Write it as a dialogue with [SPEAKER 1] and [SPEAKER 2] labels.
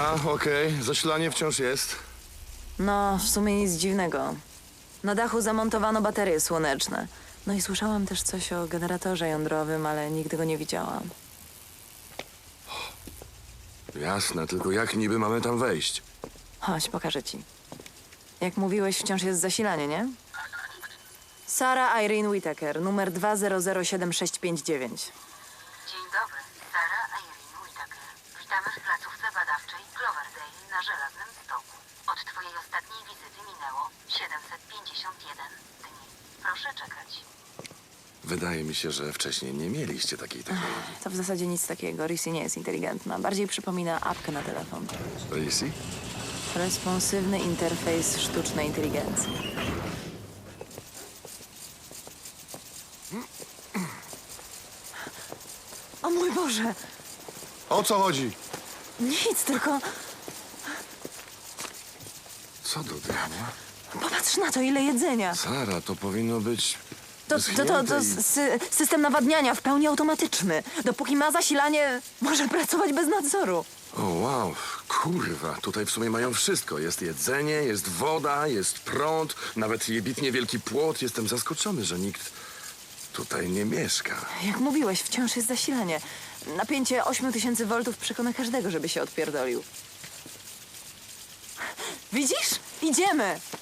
[SPEAKER 1] Ta, okej. Zasilanie wciąż jest.
[SPEAKER 2] No, w sumie nic dziwnego. Na dachu zamontowano baterie słoneczne. No i słyszałam też coś o generatorze jądrowym, ale nigdy go nie widziałam.
[SPEAKER 1] Jasne, tylko jak niby mamy tam wejść?
[SPEAKER 2] Chodź, pokażę ci. Jak mówiłeś, wciąż jest zasilanie, nie? Sarah Irene Whittaker, numer 2007659.
[SPEAKER 3] Dzień dobry, Sarah Irene Whittaker. Witamy w placówce badawczej Cloverdale na Żelaznym Stoku. Od twojej ostatniej wizyty minęło 751 dni. Proszę czekać.
[SPEAKER 1] Wydaje mi się, że wcześniej nie mieliście takiej technologii.
[SPEAKER 2] To w zasadzie nic takiego. Rissy nie jest inteligentna. Bardziej przypomina apkę na telefon.
[SPEAKER 1] Rissy?
[SPEAKER 2] Responsywny interfejs sztucznej inteligencji. O mój Boże!
[SPEAKER 1] O co chodzi?
[SPEAKER 2] Nic, tylko
[SPEAKER 1] Co do diabła?
[SPEAKER 2] popatrz na to, ile jedzenia.
[SPEAKER 1] Sara, to powinno być...
[SPEAKER 2] To
[SPEAKER 1] wyschnięte i-
[SPEAKER 2] system nawadniania w pełni automatyczny. Dopóki ma zasilanie, może pracować bez nadzoru.
[SPEAKER 1] O, wow, kurwa, tutaj w sumie mają wszystko. Jest jedzenie, jest woda, jest prąd, nawet jebitnie wielki płot. Jestem zaskoczony, że nikt tutaj nie mieszka.
[SPEAKER 2] Jak mówiłeś, wciąż jest zasilanie. Napięcie 8000 V przekona każdego, żeby się odpierdolił. Widzisz? Idziemy!